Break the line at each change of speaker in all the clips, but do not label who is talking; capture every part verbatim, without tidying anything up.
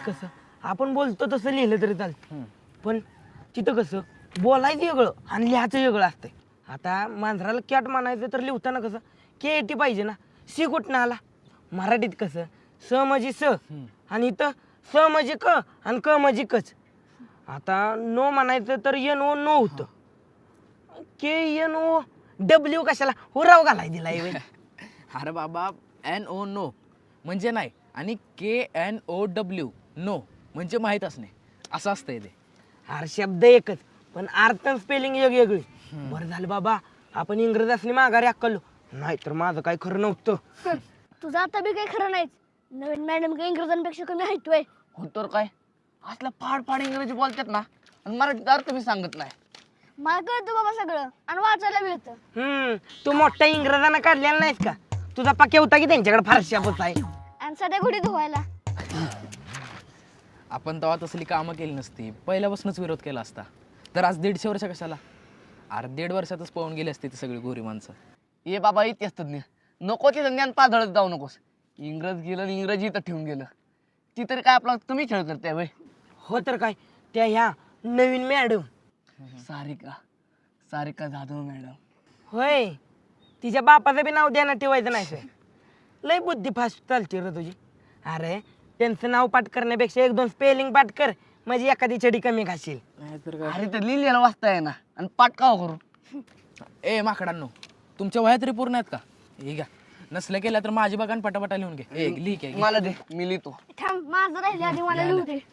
कसं आपण बोलतो तसं लिहिलं तरी चालतं, पण तिथं कसं बोलायचं वेगळं आणि लिहायचं वेगळं असतंय. आता मांजराला कॅट म्हणायचं तर लिहिताना कसं के टी पाहिजे ना, सी कुठनं आला. मराठीत कसं स म्हणजे स आणि इथं स म्हणजे क आणि क म्हणजे कच. आता नो म्हणायचं तर एन ओ नो होतं, के एन ओ डब्ल्यू कशाला हुराव घालाय दिलाय व्हय.
अरे बाबा एन ओ नो म्हणजे नाही आणि K N O W no म्हणजे माहीत असणे असं असतंय ते.
अरे शब्द एकच पण अर्थ स्पेलिंग वेगवेगळी. बरं झालं बाबा आपण इंग्रज असली माघारी अक्कलो, नाहीतर माझं काय खरं नव्हतं.
तुझं आता बी काही खरं नाहीच. नवीन मॅडम काही इंग्रजांपेक्षा कमी ऐकतोय.
हो तर काय असला फाड फाड इंग्रजी बोलतात ना आणि मराठीत अर्थ मी सांगत नाही.
मला कळतं बाबा सगळं आणि वाचायला मिळतं.
हम्म तू मोठ्या इंग्रजांना काढलेला नाहीस का? तुझा पक्या होता की त्यांच्याकडे फारशा बस आहे.
आणि सध्या गुढी धुवायला.
आपण तेव्हा तसली कामं केली नसती, पहिल्यापासूनच विरोध केला असता तर आज दीडशे वर्ष कशाला. अरे दीड वर्षातच पळून गेली असती ती सगळी गोरी माणसं.
ये बाबा इतिहास तज्ञ नको ते ज्ञान पाझळत जाऊ नकोस. इंग्रज गेलं आणि इंग्रजी इथं ठेवून गेलं, ती तरी काय आपला तुम्ही खेळ करते वय.
हो तर काय त्या ह्या नवीन मॅडम
सारिका सारिका जाधव मॅडम.
होय, तिच्या बापाचं बी नाव द्यानं ठेवायचं नाही सर. लय बुद्धी फास्ट चालते रे तुझी. अरे त्यांचं नाव पाठ करण्यापेक्षा एक दोन स्पेलिंग पाठ कर म्हणजे एखादी छडी कमी घाशील.
नाहीतर काय.
अरे तर लिहिलेलं वाचता आहे ना आणि पाठ का करू.
ए माकडांनो, तुमच्या वह्या तरी पूर्ण आहेत का? हे घ्या, नसल्या केल्या तर माझी बघा पटापटा लिहून घे. ए लिह की.
मला दे मी लिहितो.
थांब माझं राहिले आधी मला लिहू दे.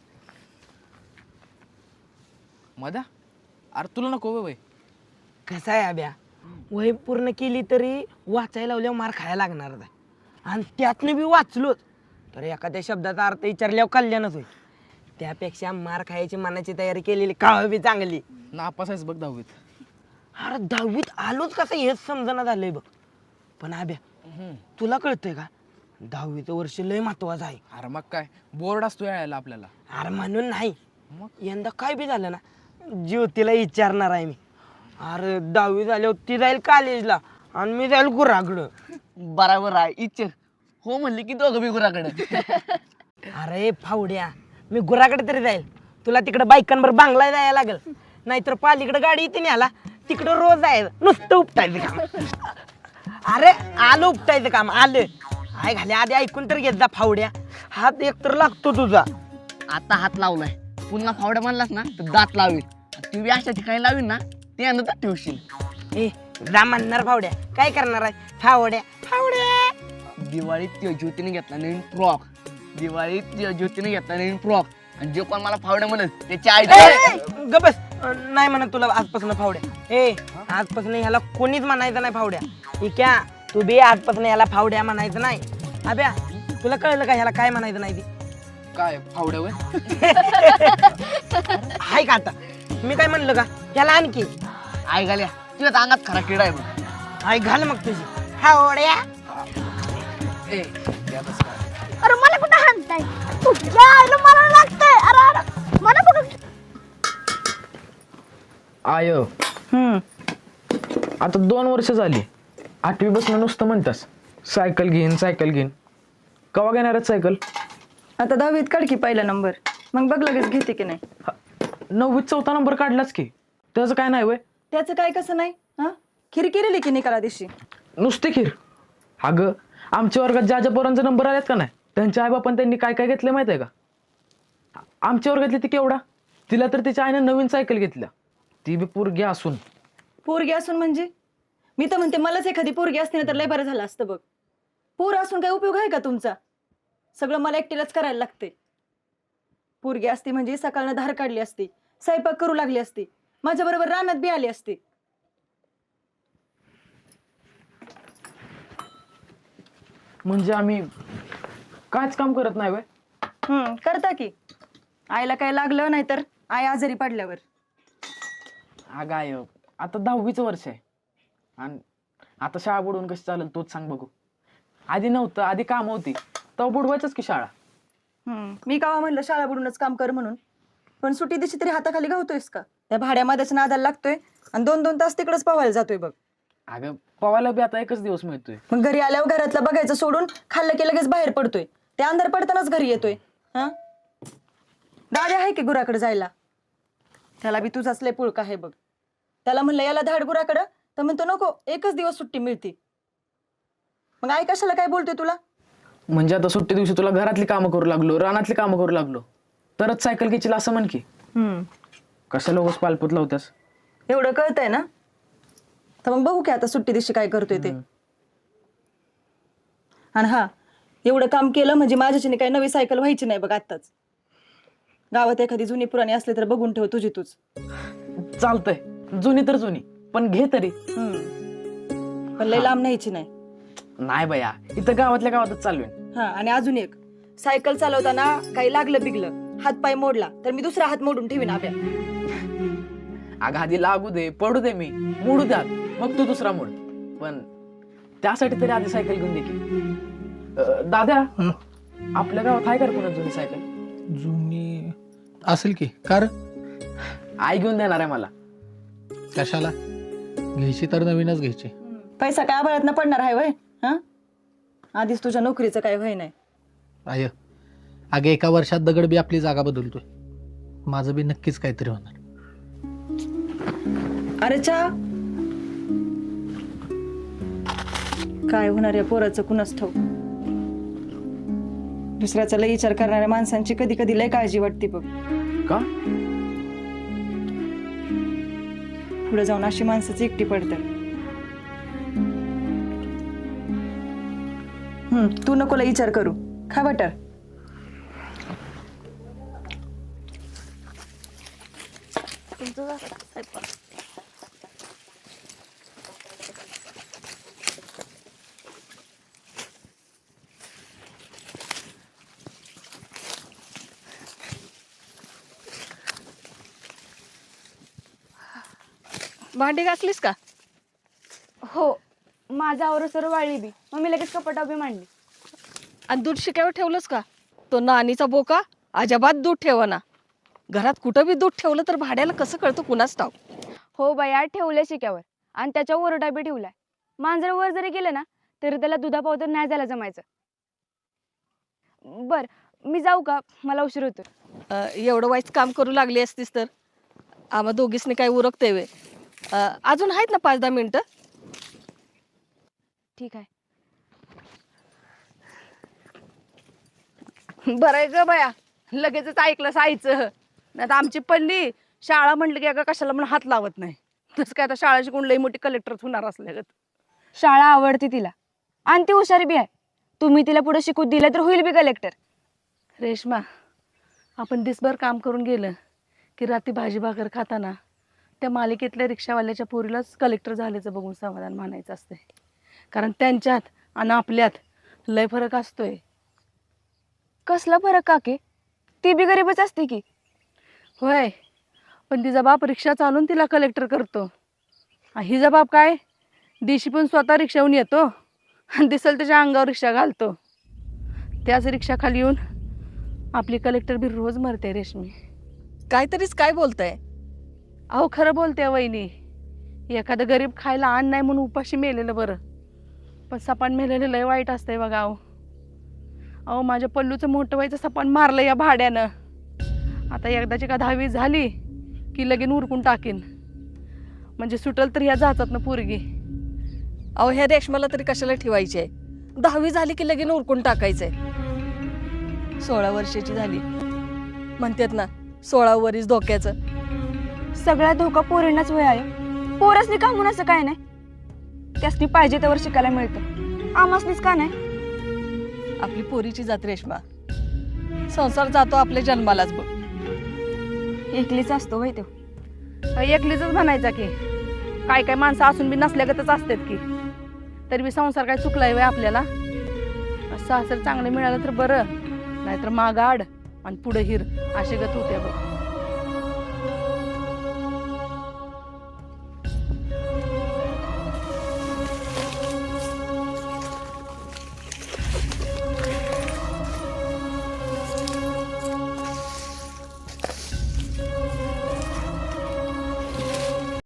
मधा अरे तुला नको वय.
कसं आहे अभ्या, वही पूर्ण केली तरी वाचायला लावल्यावर मार खायला लागणार आहे. आणि त्यातनं बी वाचलोच तर एखाद्या शब्दाचा अर्थ विचारल्यावर कल्याणच होईल. त्यापेक्षा मार खायची मनाची तयारी केलेली काळ बी चांगली.
नापास आहेस बघ दहावीत.
अरे दहावीत आलोच कसं हेच समजना झालंय बघ. पण अभ्या तुला कळतंय का, दहावीचं वर्ष लय महत्वाचं आहे.
अरे मग काय बोर्ड असतो यायला आपल्याला.
अरे म्हणून नाही,
मग
यंदा काय बी झालं ना ज्योतीला विचारणार आहे मी. अरे दहावी झाल्यावर ती जाईल कॉलेजला आणि मी जाईल गुराकडं.
बराबर आहे इच्छा हो म्हणली की दोघं बी गुराकडे.
अरे फावड्या, मी गुराकडे तरी जाईल, तुला तिकडे बायकांवर बांगला जायला लागल. नाहीतर पालीकडे गाडी येते न्याला, तिकडं रोज जायचं नुसतं उपटायचं काम. अरे आलं उपटायचं काम आलं. आय घाले आधी ऐकून तर घेत जा फावड्या, हात एक तर लागतो तुझा.
आता हात लावलाय पुन्हा फावड्या म्हणलास ना तर दात लावील. ती बी अशा ठिकाणी लावील ना ते नंतर ठेवशील.
ए जा म्हणणार फावड्या, काय करणार आहे फावड्या फावड्या.
दिवाळीत त्या ज्योतीने घेतला नवीन फ्रॉक. दिवाळीत त्या ज्योतीने घेतला नवीन फ्रॉक आणि जे कोण मला फावड्या म्हणत त्याची आई.
ग बस, नाही म्हणत तुला आजपासून फावड्या. ए आजपासून ह्याला कोणीच म्हणायचं नाही फावड्या. इक्या तू बी आजपासून ह्याला फावड्या म्हणायचं नाही. अभ्या तुला कळलं का ह्याला काय म्हणायचं नाही ते?
काय फावड्या वय.
हाय का आता मी काय म्हणलं का ह्याला आणखी
आई घाल्या तुझ्या अंगात खरा किडा आहे बघ.
हाय घाल मग तुझी फावड्या.
ए यातच काय.
अरे मला कुठं हाणताय? तुझ्या आईला मला लागतंय. अरे अरे मला कुठं.
आय आता दोन वर्ष झाली, आठवी बसणं नुसतं म्हणतास सायकल घेईन सायकल घेईन. कवा घेणार आहेत सायकल?
आता दहावीत काढ की पहिला नंबर, मग बघ लगेच घेते की नाही.
नववीत चौथा नंबर काढलाच की, त्याचं काय नाही वय.
त्याचं काय कसं नाही हा, खीर केलेली की निकाला दिवशी.
नुसती खीर. अगं आमच्या वर्गात ज्या ज्या पोरांचे नंबर आलेत का नाही त्यांच्या आईबापान त्यांनी काय काय घेतलं माहिती आहे का? आमच्या वर्गातली ती केवढा, तिला तर तिच्या आईने नवीन सायकल घेतल्या, ती बी पोरगी असून.
पोरगी असून म्हणजे मी तर म्हणते मलाच एखादी पोरगी असते ना तर लय बरं झालं असतं बघ. पोर असून काय उपयोग आहे का तुमचा? सगळं मला एकटीलाच करायला लागते. पोरगी असती म्हणजे सकाळनं धार काढली असती, स्वयंपाक करू लागली असती, माझ्या बरोबर रानात बी आली असती.
म्हणजे आम्ही कायच काम करत नाही वय.
हम्म करता की. आईला काय लागलं नाही तर आई आजारी पडल्यावर.
अगं आय आता दहावीचं वर्ष आहे आणि आता शाळा बुडवून कशी चालेल तोच सांग बघू. आधी नव्हतं, आधी काम होती तेव्हा बुडवायचंच की शाळा.
हम्म मी कावा म्हणलं शाळा बुडूनच काम कर म्हणून, पण सुट्टी दिवशी तरी हाताखाली गावतोयस का? त्या भाड्यामध्येच नादाला लागतोय आणि दोन दोन तास तिकडेच पवायला जातोय बघ.
अगं पवायला बी आता एकच दिवस मिळतोय.
मग घरी आल्यावर घरातलं बघायचं सोडून खाल्लं की लगेच बाहेर पडतोय. ते अंधार पडतानाच घरी येतोय. हा दाद्या आहे की गुराकडे जायला, त्याला बी तुझाच लय पुळका आहे बघ. त्याला म्हणलं याला धाड गुराकडं, तर म्हणतो नको, एकच दिवस सुट्टी मिळते. मग आई कशाला काय बोलतोय तुला?
म्हणजे आता सुट्टी दिवशी तुला घरातली कामं करू लागलो, रानातली कामं करू लागलो, तरच सायकल घेशील असं म्हण की.
हम्म
कशाला उगाच पालपूत लावत्यास?
एवढं कळतंय ना, तर मग बघू की आता सुट्टी दिवशी काय करतोय ते. आणि हा, एवढं काम केलं म्हणजे माझ्याच्याने काही नवी सायकल व्हायची नाही बघ आत्ताच. गावात एखादी जुनी पुराणी असली तर बघून ठेव तुझी तूच.
चालतंय, जुनी तर जुनी, पण घे तरी.
हम्म पण लय लांब न्यायची नाही.
नाही बया, इथं गावातल्या गावातच चालवेन.
हा आणि अजून एक, सायकल चालवताना काही लागलं बिगलं, हात पाय मोडला तर मी दुसरा हात मोडून ठेवीन आब्या.
अगं आधी लागू दे, पडू दे, मी मोडू द्यात, मग तू दुसरा मोड. पण त्यासाठी तरी आधी सायकल घेऊन दे की. अं, दादा, आपल्या गावात आहे का रे कोणा जुनी सायकल?
जुनी असेल की, कार
आई घेऊन देणार आहे मला.
कशाला घ्यायची तर नवीनच घ्यायची.
पैसा काय आभाळात न पडणार आहे वय? हा आधीच तुझ्या नोकरीचं काय वय नाही.
आय अगे एका वर्षात दगड बी आपली जागा बदलतोय. माझं बी नक्कीच काहीतरी होणार.
अरे चा काय होणार या पोराचं कुणास ठाऊक. दुसऱ्याचा लय विचार करणाऱ्या माणसांची कधी कधी लय काळजी वाटते बघ.
का?
पुढे जाऊन अशी माणसाची एकटी पडतात. हम्म तू नको लय विचार करू, खा बटर.
भांडी घासलीस का?
हो, माझा आवर सर वाळली बी, मग मी लगेच कपाटा बी मांडली.
आणि दूध शिक्यावर ठेवलंस का? तो नानीचा बोका अजिबात दूध ठेवना. घरात कुठं बी दूध ठेवलं तर भाड्याला कसं कळतं कुणाच ठाव.
हो बाया, ठेवलंय शिक्यावर आणि त्याच्यावर ओरडा बी ठेवलाय. मांजर वर जरी गेलं ना तरी त्याला दुधापावतर नाही जायला जमायचं. बर मी जाऊ का? मला उशीर होतो.
अं, एवढं वाईट काम करू लागली असतीस तर आम्हा दोघीसनी काय उरकते वे. अं, अजून आहेत ना पाच दहा मिनिटं.
ठीक आहे.
बरं आहे ग बया, लगेचच ऐकलं सायचं. नाही तर आमची पल्ली शाळा म्हटलं की अगं कशाला म्हणून हात लावत नाही. तसं काय आता शाळा शिकून लई मोठी कलेक्टर होणार असल्यागत.
शाळा आवडते तिला आणि ती हुशारी बी आहे. तुम्ही तिला पुढे शिकू दिलं तर होईल बी कलेक्टर.
रेश्मा, आपण दिसभर काम करून गेलं की रात्री भाजी भाकर खाताना त्या मालिकेतल्या रिक्षावाल्याच्या पोरीलाच कलेक्टर झाल्याचं बघून समाधान मानायचं असते. कारण त्यांच्यात आणि आपल्यात लय फरक असतोय.
कसला फरक काके? ती बी गरीबच असते की.
होय, पण तिचा बाप रिक्षा चालून तिला कलेक्टर करतो. आणि हिचा बाप काय, दिवशी पण स्वतः रिक्षाहून येतो आणि दिसल त्याच्या अंगावर रिक्षा घालतो. त्याच रिक्षाखाली येऊन आपली कलेक्टर बी रोज मरते. रेशमी, काहीतरीच काय बोलताय? अहो खरं बोलते वहिनी. एखादं गरीब खायला अन्न नाही म्हणून उपाशी मेलेलं बरं, पण सपान मेलेलं लय वाईट असतंय बघा. अहो अहो माझ्या पल्लूचं मोठं व्हायचं सपान मारलं या भाड्यानं. आता एकदाची का दहावी झाली की लगीन उरकून टाकीन, म्हणजे सुटल तर ह्या जातात ना पोरगी. अहो ह्या रेशमाला तरी कशाला ठेवायची आहे? दहावी झाली की लगीन उरकून टाकायचंय. सोळा वर्षाची झाली म्हणतात ना, सोळा वरीस धोक्याचं.
सगळ्या धोका पोरींनाच वय आहे. पोरसनी का म्हणून असं काय नाही. त्यासनी पाहिजे त्यावर शिकायला मिळतं, आमासनीच का नाही?
आपली पोरीची जात रेश्मा, संसार जातो आपल्या जन्मालाच बघ.
एकलीच असतो वय तो.
एकलीच म्हणायचा की, काय काय माणसं असून बी नसल्यागतच असतात की. तरी बी संसार काय चुकलाय वय आपल्याला. सासर चांगलं मिळालं तर बरं, नाहीतर मागाड आणि पुढे हिर असे गत होते बघ.